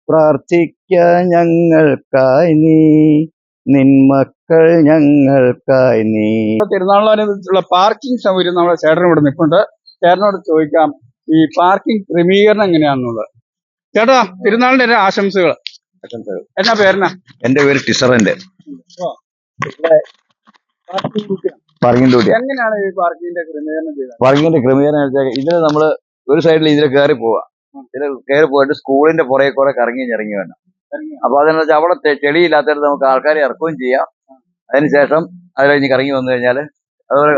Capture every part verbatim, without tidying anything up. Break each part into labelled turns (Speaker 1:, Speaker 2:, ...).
Speaker 1: പ്രാർത്ഥിക്ക ഞങ്ങൾക്കായി നീ, നിന്മക്കൾ ഞങ്ങൾക്കായി നീ.
Speaker 2: തിരുനാളിനനുസരിച്ചുള്ള പാർക്കിംഗ് സൗകര്യം നമ്മുടെ ചേട്ടൻ ഇവിടെ നിൽപ്പുണ്ട്. ചേട്ടനോട് ചോദിക്കാം ഈ പാർക്കിംഗ് ക്രമീകരണം എങ്ങനെയാണെന്നുള്ളത്. ചേട്ടാ, തിരുനാളിന്റെ ആശംസകൾ. എന്നാ പേരെന്നാ?
Speaker 1: എന്റെ പേര് ടിസറിന്റെ. പാർക്കിംഗ് ഡ്യൂട്ടി
Speaker 2: എങ്ങനെയാണ് ഈ പാർക്കിങ്ങിന്റെ ക്രമീകരണം ചെയ്തത്?
Speaker 1: പാർക്കിങ്ങിന്റെ ക്രമീകരണം വെച്ചാൽ ഇതിന് നമ്മള് ഒരു സൈഡിൽ ഇതിൽ കയറി പോവാ, ഇതിൽ കയറി പോയിട്ട് സ്കൂളിന്റെ പുറകെ കൂടെ കറങ്ങി ഇറങ്ങി വേണം. അപ്പൊ അതെന്ന് വെച്ചാൽ അവിടെ ചെളിയില്ലാത്തടത്ത് നമുക്ക് ആൾക്കാരെ ഇറക്കുകയും ചെയ്യാം. അതിനുശേഷം അത് കഴിഞ്ഞ് കറങ്ങി വന്നു കഴിഞ്ഞാല് അതുപോലെ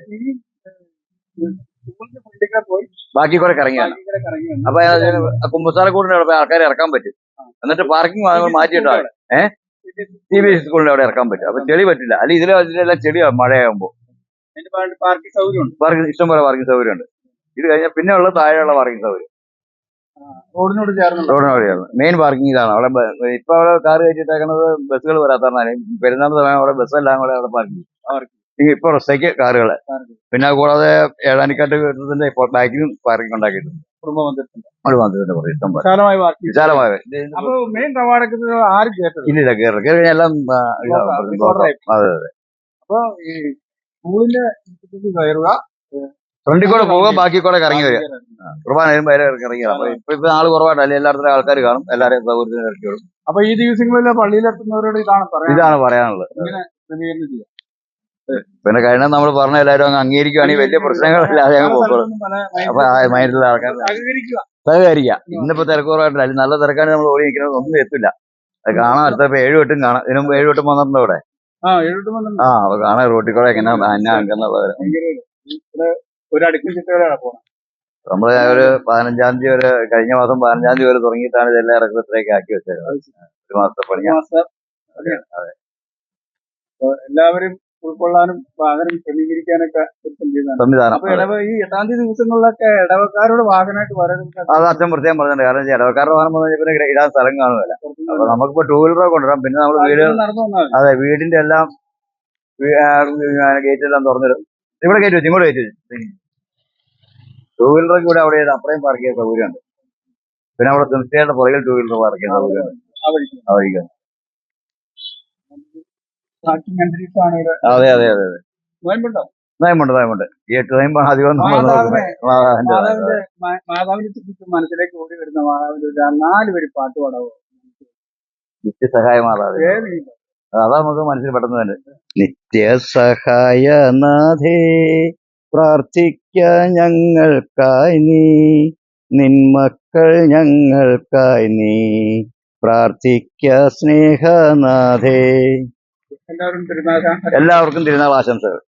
Speaker 1: ബാക്കി കൂടെ കറങ്ങിയാണ്. അപ്പൊ കുമ്പസാരക്കൂടിന്റെ അവിടെ ആൾക്കാരെ ഇറക്കാൻ പറ്റും. എന്നിട്ട് പാർക്കിംഗ് മാറ്റിയിട്ടാണ് ഏഹ് സി ബി എസ് സ്കൂളിന്റെ അവിടെ ഇറക്കാൻ പറ്റും. അപ്പൊ ചെളി പറ്റില്ല. അല്ലെങ്കിൽ ഇതിലെ ഇതിലെല്ലാം ചെളിയാണ് മഴയാകുമ്പോ.
Speaker 2: പാർക്കിംഗ് സൗകര്യം
Speaker 1: പാർക്കിംഗ് ഇഷ്ടംപോലെ പാർക്കിംഗ് സൗകര്യം ഉണ്ട്. ഇത് കഴിഞ്ഞാൽ പിന്നെ ഉള്ള താഴെയുള്ള പാർക്കിംഗ് സൗകര്യം
Speaker 2: റോഡിനോട് ചേർന്ന്
Speaker 1: റോഡിനോട് ചേർന്ന് മെയിൻ പാർക്കിംഗ് ഇതാണ്. അവിടെ ഇപ്പൊ അവിടെ കാർ കയറ്റിട്ടേക്കുന്നത് ബസ്സുകൾ വരാത്തതാണ്. പെരുന്നാൾ സമയം അവിടെ ബസ്സെല്ലാം കൂടെ അവിടെ പാർക്കിംഗ് ഇപ്പൊ റസ്റ്റേക്ക് കാറുകള്. പിന്നെ കൂടാതെ ഏഴാനിക്കാട്ട് വീട്ടത്തിന്റെ ബാക്കിലും പാർക്കിംഗ് ഉണ്ടാക്കിയിട്ടുണ്ട്. വിശാലമായ ഇല്ലില്ല കയറി കയറി കഴിഞ്ഞാൽ എല്ലാം അതെ അതെ.
Speaker 2: അപ്പൊ ഈ സ്കൂളിന്റെ കയറുക,
Speaker 1: ഫ്രണ്ടിൽ കൂടെ പോവുക, ബാക്കി കൂടെ കറങ്ങി വരിക. കുർബാന വരുമ്പോ ഇറങ്ങി അപ്പൊ ഇപ്പൊ ഇപ്പൊ ആള് കുറവായിട്ടല്ലേ എല്ലായിടത്തും ആൾക്കാർ കാണും. എല്ലാവരെയും സൗകര്യത്തിന് ഇറക്കി വിടും.
Speaker 2: അപ്പൊ ഈ ദിവസങ്ങളിൽ പള്ളിയിലെത്തുന്നവരോട് ഇതാണ്
Speaker 1: ഇതാണ് പറയാനുള്ളത്. പിന്നെ കഴിഞ്ഞ നമ്മൾ പറഞ്ഞ എല്ലാവരും അങ്ങ് അംഗീകരിക്കുകയാണെങ്കിൽ വലിയ പ്രശ്നങ്ങളില്ലാതെ അങ്ങ് പോക്കോളും. അപ്പൊ മൈൻഡിലുള്ള ആൾക്കാർ സഹകരിക്കുക. ഇന്നിപ്പോ തിരക്കുറവായിട്ടില്ല. അല്ലെങ്കിൽ നല്ല തിരക്കാണ് നമ്മൾ ഓടി നിൽക്കുന്നത്, ഒന്നും എത്തില്ല. അത് കാണാൻ അടുത്തപ്പോ ഏഴ് വട്ടും കാണാം. ഇതിനും ഏഴ് വട്ടും വന്നിട്ടുണ്ട് അവിടെ. ആ അപ്പൊ കാണാൻ റോട്ടിൽ കൂടെ എങ്ങനെ അന്നുള്ളത്. നമ്മള് ഒരു പതിനഞ്ചാം തീയതി വരെ, കഴിഞ്ഞ മാസം പതിനഞ്ചാം തീയതി വരെ തുടങ്ങിയിട്ടാണ് ഇതെല്ലാം ഇറക്കത്തിലേക്ക് ആക്കി വെച്ചത്. ഒരു മാസത്തെ പണി.
Speaker 2: അതെ. എല്ലാവരും ഉൾക്കൊള്ളാനും വാഹനം ക്രമീകരിക്കാനൊക്കെ
Speaker 1: സംവിധാനം.
Speaker 2: ഈ എട്ടാം തീയതി ദിവസങ്ങളിലൊക്കെ ഇടവക്കാരോട് വാഹനമായിട്ട് വരാനൊക്കെ
Speaker 1: അത് അച്ഛൻ പ്രത്യേകം പറഞ്ഞിട്ടുണ്ട്. കാരണം ഇടവക്കാരുടെ വാഹനം വന്നു കഴിഞ്ഞാൽ ഇടാൻ സ്ഥലം കാണുമല്ല. അപ്പൊ നമുക്കിപ്പോ ടൂ വീലറൊക്കെ കൊണ്ടുവരാം. പിന്നെ നമ്മൾ വീട് അതെ വീടിന്റെ എല്ലാം ഗേറ്റെല്ലാം തുറന്നിടും. ഇവിടെ കയറ്റി വെച്ചു, ഇങ്ങോട്ട് കയറ്റി വെച്ചു. ടൂ വീലറൊക്കെ ഇവിടെ അവിടെ അത്രയും പാർക്ക് ചെയ്യാൻ സൗകര്യമുണ്ട്. പിന്നെ അവിടെ തീർച്ചയായിട്ടും പുറകിൽ ടൂ വീലർ പാർക്ക് ചെയ്യാൻ സൗകര്യമുണ്ട്. അതെ അതെ അതെ അതെ. നോയമ്പുണ്ട് നോയമ്പുണ്ട്. ഈ എട്ട് നോയമ്പാണ് അധികം.
Speaker 2: മാതാവിനെ മനസ്സിലേക്ക് ഓടി വരുന്ന മാതാവിന്റെ നാല് പേര് പാട്ട് പാടാവോ?
Speaker 1: നിത്യസഹായ മാതാവ്. അതാ നമുക്ക് മനസ്സിൽ പെട്ടെന്ന് തന്നെ. നിത്യസഹായനാഥേ പ്രാർത്ഥിക്ക ഞങ്ങൾക്കായി നീ, നിന്മക്കൾ ഞങ്ങൾക്കായി നീ, പ്രാർത്ഥിക്ക സ്നേഹനാഥേ.
Speaker 2: എല്ലാവരും തിരുനാൾ
Speaker 1: എല്ലാവർക്കും തിരുനാൾ ആശംസകൾ.